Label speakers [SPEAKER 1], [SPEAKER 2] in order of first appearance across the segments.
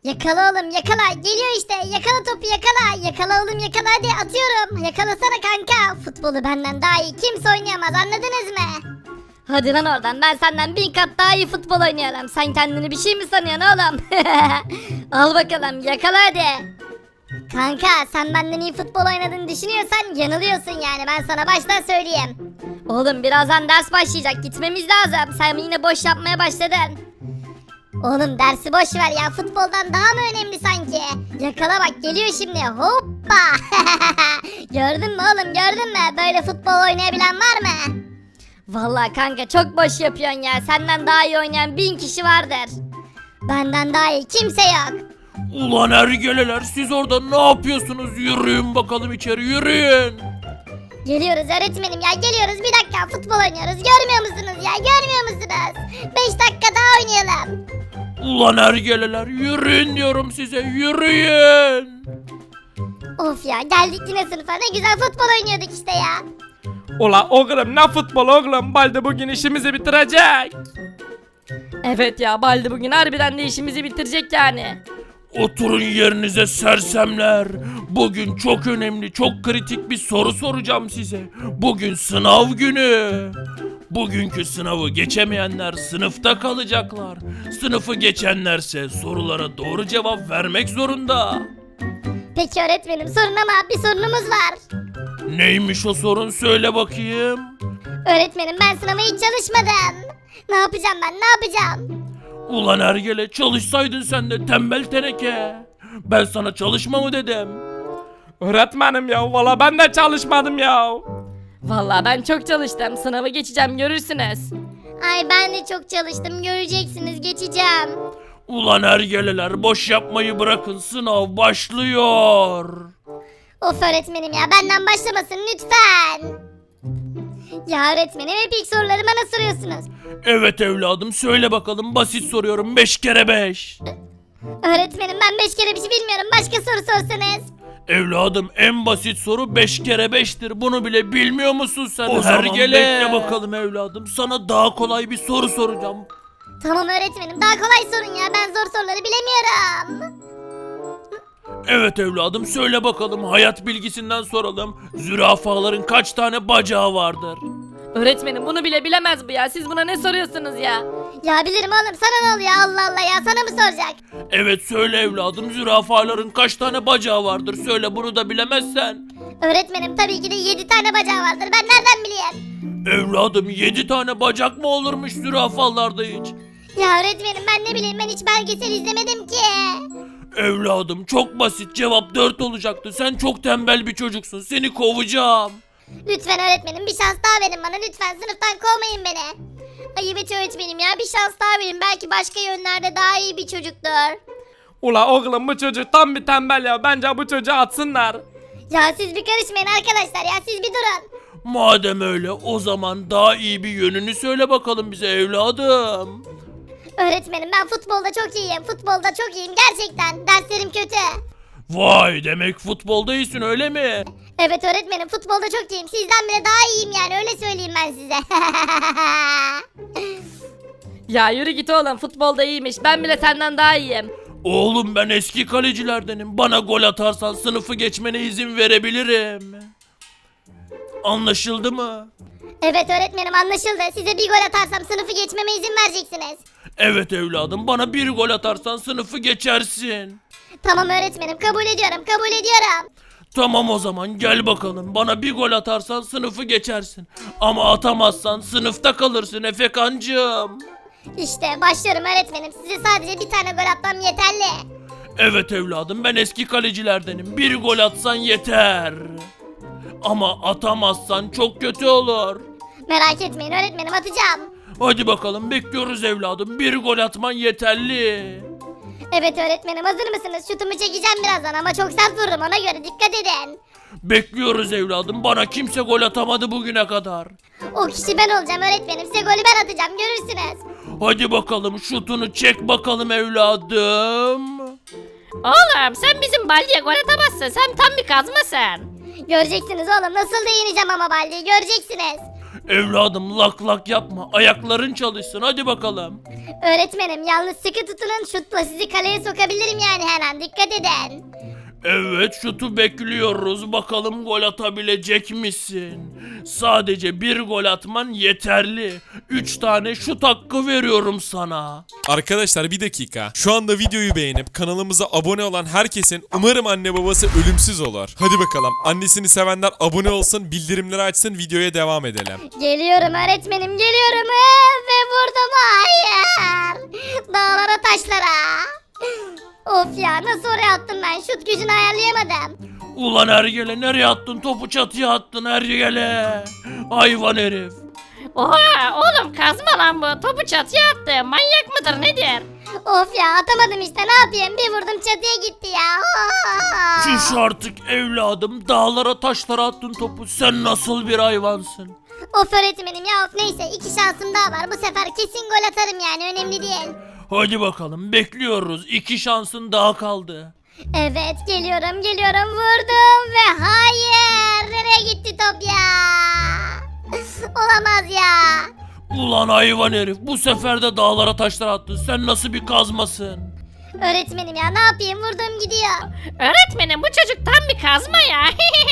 [SPEAKER 1] Yakala oğlum yakala. Geliyor işte. Yakala topu yakala. Yakala oğlum yakala hadi atıyorum. Yakalasana kanka. Futbolu benden daha iyi kimse oynayamaz anladınız mı? Hadi lan oradan ben senden 1000 kat daha iyi futbol oynuyorum. Sen kendini bir şey mi sanıyorsun oğlum? Al bakalım yakala hadi. Kanka sen benden iyi futbol oynadığını düşünüyorsan yanılıyorsun yani ben sana baştan söyleyeyim. Oğlum birazdan ders başlayacak gitmemiz lazım. Sen yine boş yapmaya başladın. Oğlum dersi boş ver ya futboldan daha mı önemli sanki? Yakala bak geliyor şimdi hoppa. Gördün mü oğlum gördün mü? Böyle futbol oynayabilen var mı? Vallahi kanka çok boş yapıyorsun ya. Senden daha iyi oynayan 1000 kişi vardır. Benden daha iyi kimse yok.
[SPEAKER 2] Ulan ergeleler siz orada ne yapıyorsunuz? Yürüyün bakalım içeri yürüyün.
[SPEAKER 1] Geliyoruz öğretmenim ya geliyoruz bir dakika futbol oynuyoruz görmüyor musunuz ya görmüyor musunuz? 5 dakika daha oynayalım.
[SPEAKER 2] Ulan ergeleler yürüyün diyorum size yürüyün.
[SPEAKER 1] Of ya geldik yine sınıfa ne güzel futbol oynuyorduk işte ya.
[SPEAKER 3] Ula oğlum ne futbol oğlum Baldi bugün işimizi bitirecek. Evet ya Baldi bugün harbiden de işimizi bitirecek yani.
[SPEAKER 2] Oturun yerinize sersemler. Bugün çok önemli, çok kritik bir soru soracağım size. Bugün sınav günü. Bugünkü sınavı geçemeyenler sınıfta kalacaklar. Sınıfı geçenlerse sorulara doğru cevap vermek zorunda.
[SPEAKER 1] Peki öğretmenim sorun ama bir sorunumuz var.
[SPEAKER 2] Neymiş o sorun söyle bakayım.
[SPEAKER 1] Öğretmenim ben sınava hiç çalışmadım. Ne yapacağım ben ne yapacağım?
[SPEAKER 2] Ulan ergele çalışsaydın sen de tembel teneke. Ben sana çalışma mı dedim?
[SPEAKER 3] Öğretmenim ya valla ben de çalışmadım ya. Valla ben çok çalıştım sınavı geçeceğim görürsünüz.
[SPEAKER 1] Ay ben de çok çalıştım göreceksiniz geçeceğim.
[SPEAKER 2] Ulan ergeleler boş yapmayı bırakın sınav başlıyor.
[SPEAKER 1] Of öğretmenim ya benden başlamasın lütfen. Ya öğretmenim hep ilk soruları bana soruyorsunuz.
[SPEAKER 2] Evet evladım söyle bakalım basit soruyorum 5 kere 5.
[SPEAKER 1] Öğretmenim ben 5 kere bir şey bilmiyorum başka soru sorsanız.
[SPEAKER 2] Evladım en basit soru 5 kere 5'tir. Bunu bile bilmiyor musun sen?
[SPEAKER 3] O zaman
[SPEAKER 2] bekle bakalım evladım. Sana daha kolay bir soru soracağım.
[SPEAKER 1] Tamam öğretmenim daha kolay sorun ya ben zor soruları bilemiyorum.
[SPEAKER 2] Evet evladım söyle bakalım hayat bilgisinden soralım. Zürafaların kaç tane bacağı vardır?
[SPEAKER 3] Öğretmenim bunu bile bilemez bu ya siz buna ne soruyorsunuz ya?
[SPEAKER 1] Ya bilirim oğlum sana ne oluyor Allah Allah ya sana mı soracak?
[SPEAKER 2] Evet söyle evladım zürafaların kaç tane bacağı vardır? Söyle bunu da bilemezsen.
[SPEAKER 1] Öğretmenim tabii ki de 7 tane bacağı vardır ben nereden bileyim?
[SPEAKER 2] Evladım 7 tane bacak mı olurmuş zürafalarda hiç?
[SPEAKER 1] Ya öğretmenim ben ne bileyim ben hiç belgesel izlemedim ki.
[SPEAKER 2] Evladım çok basit cevap 4 olacaktı. Sen çok tembel bir çocuksun. Seni kovacağım.
[SPEAKER 1] Lütfen öğretmenim bir şans daha verin bana lütfen sınıftan kovmayın beni. Ay evet öğretmenim ya bir şans daha verin belki başka yönlerde daha iyi bir çocuktur.
[SPEAKER 3] Ula oğlum bu çocuk tam bir tembel ya bence bu çocuğu atsınlar.
[SPEAKER 1] Ya siz bir karışmayın arkadaşlar ya siz bir durun.
[SPEAKER 2] Madem öyle o zaman daha iyi bir yönünü söyle bakalım bize evladım.
[SPEAKER 1] Öğretmenim ben futbolda çok iyiyim futbolda çok iyiyim gerçekten derslerim kötü.
[SPEAKER 2] Vay demek futbolda iyisin öyle mi?
[SPEAKER 1] Evet öğretmenim futbolda çok iyiyim sizden bile daha iyiyim yani öyle söyleyeyim ben size.
[SPEAKER 3] Ya yürü git oğlum futbolda iyiymiş ben bile senden daha iyiyim.
[SPEAKER 2] Oğlum ben eski kalecilerdenim. Bana gol atarsan sınıfı geçmene izin verebilirim. Anlaşıldı mı?
[SPEAKER 1] Evet öğretmenim anlaşıldı size bir gol atarsam sınıfı geçmeme izin vereceksiniz.
[SPEAKER 2] Evet evladım bana bir gol atarsan sınıfı geçersin.
[SPEAKER 1] Tamam öğretmenim kabul ediyorum kabul ediyorum.
[SPEAKER 2] Tamam o zaman gel bakalım. Bana bir gol atarsan sınıfı geçersin. Ama atamazsan sınıfta kalırsın Efekancığım.
[SPEAKER 1] İşte başlıyorum öğretmenim size sadece bir tane gol atmam yeterli.
[SPEAKER 2] Evet evladım ben eski kalecilerdenim. Bir gol atsan yeter. Ama atamazsan çok kötü olur.
[SPEAKER 1] Merak etmeyin öğretmenim atacağım.
[SPEAKER 2] Hadi bakalım bekliyoruz evladım. Bir gol atman yeterli.
[SPEAKER 1] Evet öğretmenim hazır mısınız? Şutumu çekeceğim birazdan ama çok sert vururum ona göre dikkat edin.
[SPEAKER 2] Bekliyoruz evladım. Bana kimse gol atamadı bugüne kadar.
[SPEAKER 1] O kişi ben olacağım öğretmenim size golü ben atacağım görürsünüz.
[SPEAKER 2] Hadi bakalım şutunu çek bakalım evladım.
[SPEAKER 3] Oğlum sen bizim Baldi'ye gol atamazsın sen tam bir kazmasın.
[SPEAKER 1] Göreceksiniz oğlum nasıl da yeneceğim ama Baldi'yi göreceksiniz.
[SPEAKER 2] Evladım lak lak yapma. Ayakların çalışsın hadi bakalım.
[SPEAKER 1] Öğretmenim yalnız sıkı tutunun, şutla sizi kaleye sokabilirim yani her an, dikkat edin.
[SPEAKER 2] Evet, şutu bekliyoruz. Bakalım gol atabilecek misin? Sadece bir gol atman yeterli. 3 tane şut hakkı veriyorum sana.
[SPEAKER 4] Arkadaşlar bir dakika. Şu anda videoyu beğenip kanalımıza abone olan herkesin umarım anne babası ölümsüz olur. Hadi bakalım. Annesini sevenler abone olsun, bildirimleri açsın, videoya devam edelim.
[SPEAKER 1] Geliyorum öğretmenim, geliyorum. Ve vurdum, hayır. Dağlara taşlara. Of ya, nasıl oraya attım ben, şut gücünü ayarlayamadım.
[SPEAKER 2] Ulan Ergele, nereye attın? Topu çatıya attın Ergele. Hayvan herif.
[SPEAKER 5] Oha oğlum kazma lan bu. Topu çatıya attı. Manyak mıdır nedir?
[SPEAKER 1] Of ya, atamadım işte, ne yapayım, bir vurdum çatıya gitti ya.
[SPEAKER 2] Şuş artık evladım. Dağlara taşlara attın topu. Sen nasıl bir hayvansın?
[SPEAKER 1] Of öğretmenim ya, of, neyse 2 şansım daha var, bu sefer kesin gol atarım yani, önemli değil.
[SPEAKER 2] Hadi bakalım, bekliyoruz. 2 şansın daha kaldı.
[SPEAKER 1] Evet, geliyorum, vurdum ve hayır, nereye gitti top ya? Olamaz ya.
[SPEAKER 2] Ulan hayvan herif, bu sefer de dağlara taşlara attın. Sen nasıl bir kazmasın?
[SPEAKER 1] Öğretmenim ya, ne yapayım, vurduğum gidiyor.
[SPEAKER 5] Öğretmenim bu çocuk tam bir kazma ya.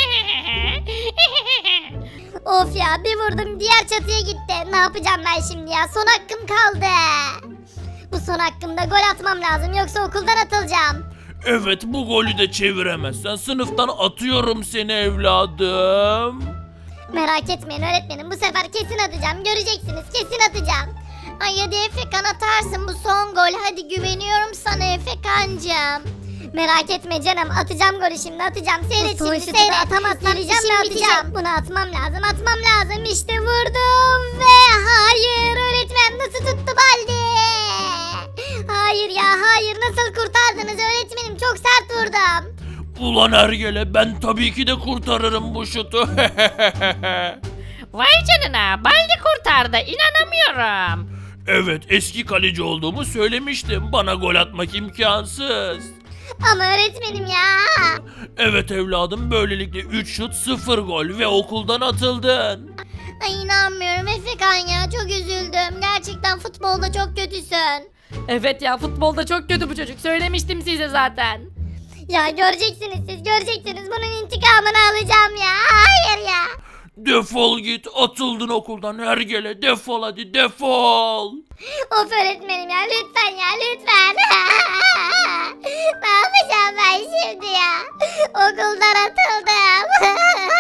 [SPEAKER 1] Of ya, bir vurdum diğer çatıya gitti. Ne yapacağım ben şimdi ya, son hakkım kaldı. Bu son hakkımda gol atmam lazım, yoksa okuldan atılacağım.
[SPEAKER 2] Evet, bu golü de çeviremezsen sınıftan atıyorum seni evladım.
[SPEAKER 1] Merak etmeyin öğretmenim, bu sefer kesin atacağım, göreceksiniz, kesin atacağım. Ay hadi Efekan, atarsın bu son gol, hadi güveniyorum sana Efekancığım. Merak etme canım, atacağım golü şimdi, atacağım, seyret şimdi, seyret. Atamazsam işim atacağım. Bunu atmam lazım, işte vurdum ve hayır, öğretmen nasıl tuttu Baldi? Hayır ya, hayır, nasıl kurtardınız öğretmenim, çok sert vurdum.
[SPEAKER 2] Ulan Ergele, ben tabii ki de kurtarırım bu şutu.
[SPEAKER 5] Vay canına Baldi kurtardı. İnanamıyorum.
[SPEAKER 2] Evet, eski kaleci olduğumu söylemiştim. Bana gol atmak imkansız.
[SPEAKER 1] Ama öğretmenim ya.
[SPEAKER 2] Evet evladım, böylelikle 3 şut 0 gol ve okuldan atıldın.
[SPEAKER 1] Ay inanmıyorum Efekan ya, çok üzüldüm. Gerçekten futbolda çok kötüsün.
[SPEAKER 3] Evet ya, futbolda çok kötü bu çocuk. Söylemiştim size zaten.
[SPEAKER 1] Ya göreceksiniz siz, göreceksiniz, bunun intikamını alacağım ya. Hayır ya.
[SPEAKER 2] Defol git, atıldın okuldan Ergele, defol hadi, defol.
[SPEAKER 1] Of öğretmenim ya, lütfen ya, lütfen. Ne yapacağım ben şimdi ya? Okuldan atıldım.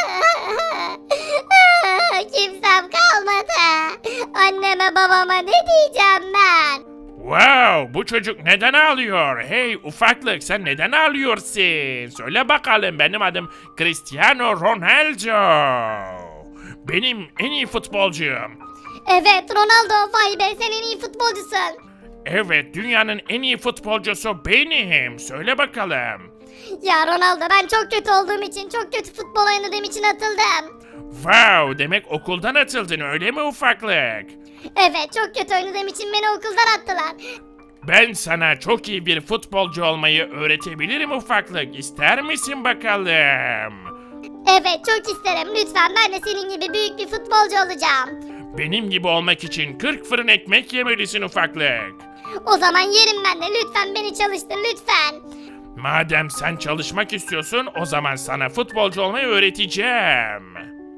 [SPEAKER 1] Kimsem kalmadı. Anneme babama ne diyeceğim ben?
[SPEAKER 6] Wow, bu çocuk neden ağlıyor? Hey ufaklık, sen neden ağlıyorsun? Söyle bakalım, benim adım Cristiano Ronaldo. Benim en iyi futbolcuyum.
[SPEAKER 1] Evet Ronaldo, vay be, sen en iyi futbolcusun.
[SPEAKER 6] Evet, dünyanın en iyi futbolcusu benim. Söyle bakalım.
[SPEAKER 1] Ya Ronaldo, ben çok kötü olduğum için, çok kötü futbol oynadığım için atıldım.
[SPEAKER 6] Wow, demek okuldan atıldın öyle mi ufaklık?
[SPEAKER 1] Evet, çok kötü oynadığım için beni okuldan attılar.
[SPEAKER 6] Ben sana çok iyi bir futbolcu olmayı öğretebilirim ufaklık. İster misin bakalım?
[SPEAKER 1] Evet, çok isterim, lütfen, ben de senin gibi büyük bir futbolcu olacağım.
[SPEAKER 6] Benim gibi olmak için 40 fırın ekmek yemelisin ufaklık.
[SPEAKER 1] O zaman yerim ben de, lütfen beni çalıştır, lütfen.
[SPEAKER 6] Madem sen çalışmak istiyorsun, o zaman sana futbolcu olmayı öğreteceğim.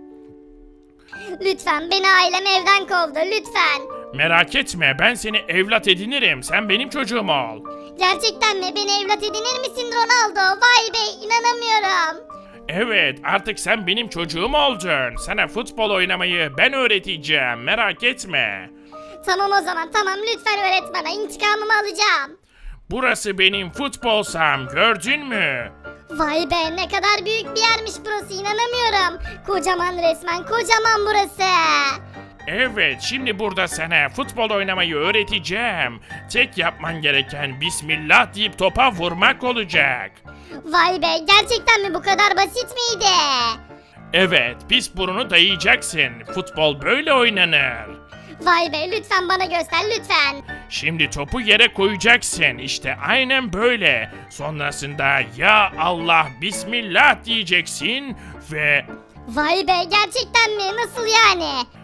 [SPEAKER 1] Lütfen, beni ailem evden kovdu, lütfen.
[SPEAKER 6] Merak etme, ben seni evlat edinirim. Sen benim çocuğum ol.
[SPEAKER 1] Gerçekten mi? Beni evlat edinir misin Ronaldo? Vay be, inanamıyorum.
[SPEAKER 6] Evet, artık sen benim çocuğum oldun. Sana futbol oynamayı ben öğreteceğim. Merak etme.
[SPEAKER 1] Tamam o zaman, tamam, lütfen öğret bana, intikamımı alacağım.
[SPEAKER 6] Burası benim futbol saham, gördün mü?
[SPEAKER 1] Vay be, ne kadar büyük bir yermiş burası, inanamıyorum. Kocaman resmen, kocaman burası.
[SPEAKER 6] Evet, şimdi burada sana futbol oynamayı öğreteceğim. Tek yapman gereken Bismillah deyip topa vurmak olacak.
[SPEAKER 1] Vay be, gerçekten mi, bu kadar basit miydi?
[SPEAKER 6] Evet, pis burunu dayayacaksın. Futbol böyle oynanır.
[SPEAKER 1] Vay be, lütfen bana göster, lütfen.
[SPEAKER 6] Şimdi topu yere koyacaksın. İşte aynen böyle. Sonrasında ya Allah Bismillah diyeceksin ve...
[SPEAKER 1] Vay be, gerçekten mi, nasıl yani?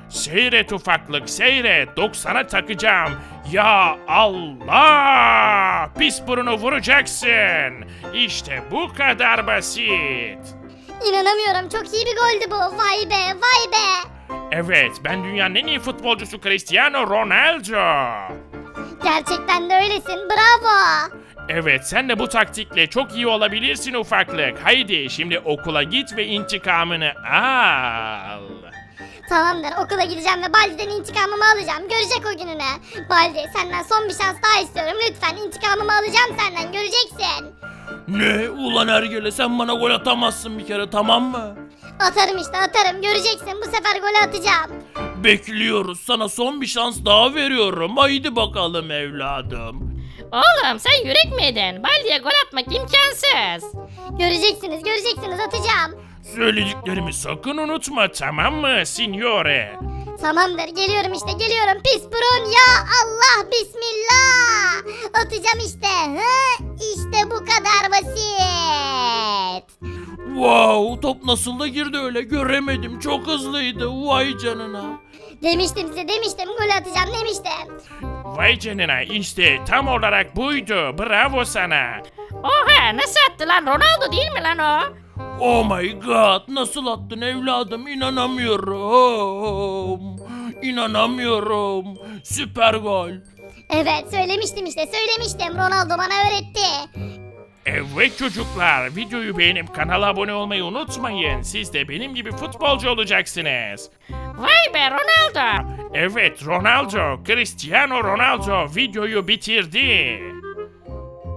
[SPEAKER 6] Seyret ufaklık seyret. 90'a takacağım. Ya Allah! Pis burunu vuracaksın. İşte bu kadar basit.
[SPEAKER 1] İnanamıyorum, çok iyi bir goldü bu. Vay be, vay be.
[SPEAKER 6] Evet, ben dünyanın en iyi futbolcusu Cristiano Ronaldo.
[SPEAKER 1] Gerçekten de öylesin, bravo.
[SPEAKER 6] Evet, sen de bu taktikle çok iyi olabilirsin ufaklık. Haydi şimdi okula git ve intikamını al.
[SPEAKER 1] Tamamdır, okula gideceğim ve Baldi'den intikamımı alacağım. Görecek o gününü. Baldi, senden son bir şans daha istiyorum. Lütfen intikamımı alacağım senden, göreceksin.
[SPEAKER 2] Ne? Ulan Ergele sen bana gol atamazsın bir kere, tamam mı?
[SPEAKER 1] Atarım işte, atarım. Göreceksin, bu sefer golü atacağım.
[SPEAKER 2] Bekliyoruz, sana son bir şans daha veriyorum. Haydi bakalım evladım.
[SPEAKER 5] Oğlum sen yürek miydin? Baldi'ye gol atmak imkansız.
[SPEAKER 1] Göreceksiniz, göreceksiniz, atacağım.
[SPEAKER 6] Söylediklerimi sakın unutma, tamam mı signore?
[SPEAKER 1] Tamamdır, geliyorum işte, geliyorum. Pis burun, ya Allah, bismillah. Atacağım işte. Hı? İşte bu kadar basit.
[SPEAKER 2] Wow, top nasıl da girdi öyle, göremedim, çok hızlıydı, vay canına.
[SPEAKER 1] Demiştim size, demiştim, gol atacağım demiştim.
[SPEAKER 6] Vay canına, işte tam olarak buydu. Bravo sana.
[SPEAKER 5] Oha nasıl attı lan? Ronaldo değil mi lan o?
[SPEAKER 2] Oh my god, nasıl attın evladım, inanamıyorum. İnanamıyorum, süper gol.
[SPEAKER 1] Evet, söylemiştim işte, söylemiştim. Ronaldo bana öğretti.
[SPEAKER 6] Evet çocuklar, videoyu beğenip kanala abone olmayı unutmayın. Siz de benim gibi futbolcu olacaksınız.
[SPEAKER 5] Vay be Ronaldo.
[SPEAKER 6] Evet Ronaldo, Cristiano Ronaldo videoyu bitirdi.